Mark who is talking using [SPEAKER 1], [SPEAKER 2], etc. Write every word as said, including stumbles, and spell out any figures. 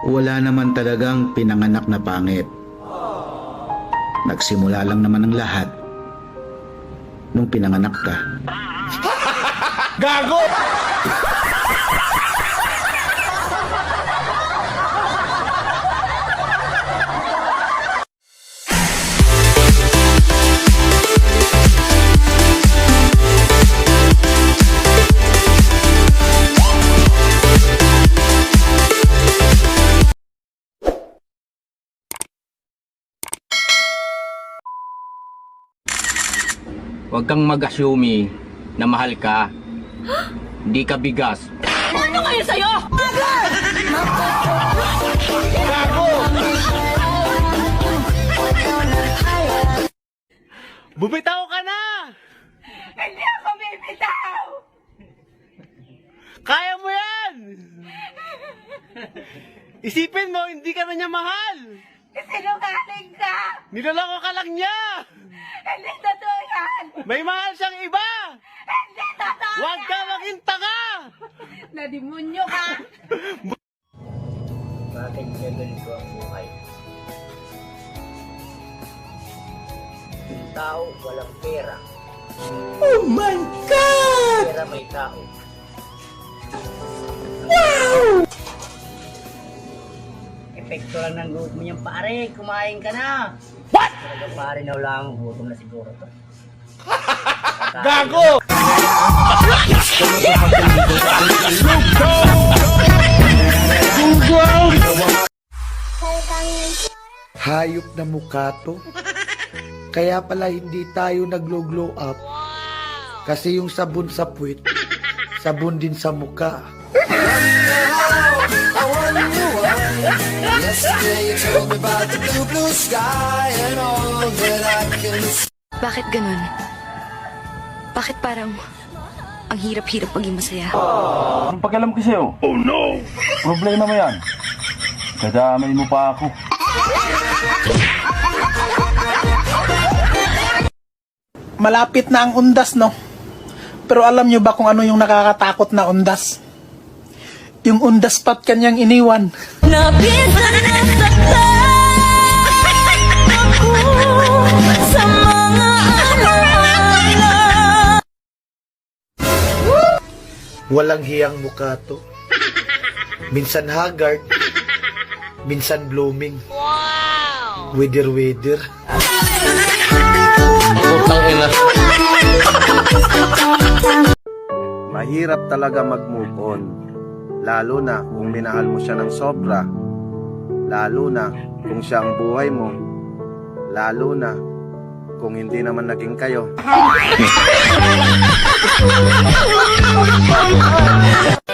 [SPEAKER 1] wala naman talagang pinanganak na pangit. Nagsimula lang naman ang lahat nung pinanganak ka.
[SPEAKER 2] Gago!
[SPEAKER 3] Huwag kang mag-assume na mahal ka. Hindi ka bigas.
[SPEAKER 4] Ano kayo sa'yo?
[SPEAKER 2] Bumitaw ka na!
[SPEAKER 4] Hindi ako bibitaw!
[SPEAKER 2] Kaya mo yan! Isipin mo, hindi ka na niya mahal!
[SPEAKER 4] Sinungaling ka!
[SPEAKER 2] Niloloko ka lang niya!
[SPEAKER 4] Hindi totoo yan!
[SPEAKER 2] May mahal siyang iba!
[SPEAKER 4] Hindi totoo
[SPEAKER 2] Huwag ka maging tanga!
[SPEAKER 4] Nadimonyo ka!
[SPEAKER 3] Bakit ganito ang buhay? Yung tao walang pera.
[SPEAKER 2] Oh my God!
[SPEAKER 3] Pera may tao. Epekto lang ng loob mo yan, pare. Kumain ka na.
[SPEAKER 2] What?
[SPEAKER 3] Talaga pare, naulang gutom na siguro to.
[SPEAKER 2] Gago!
[SPEAKER 5] Hayop na mukha to. Kaya pala hindi tayo naglo-glow up. Kasi yung sabon sa puwit, sabon din sa mukha.
[SPEAKER 6] Bakit ganun? Bakit parang ang hirap-hirap maging masaya?
[SPEAKER 7] Anong pakialam ko sa'yo? Oh no! Problema mo yan. Kadamay mo pa ako.
[SPEAKER 8] Malapit na ang undas, no? Pero alam nyo ba kung ano yung nakakatakot na undas? Yung undas pat kanyang iniwan.
[SPEAKER 4] Napisan na saktan ako sa mga alaala.
[SPEAKER 5] Walang hiyang mukha to. Minsan haggard, minsan blooming. Wow! Wither-wither.
[SPEAKER 9] Mahirap talaga mag-move on, lalo na kung minahal mo siya ng sobra, lalo na kung siya ang buhay mo, lalo na kung hindi naman naging kayo.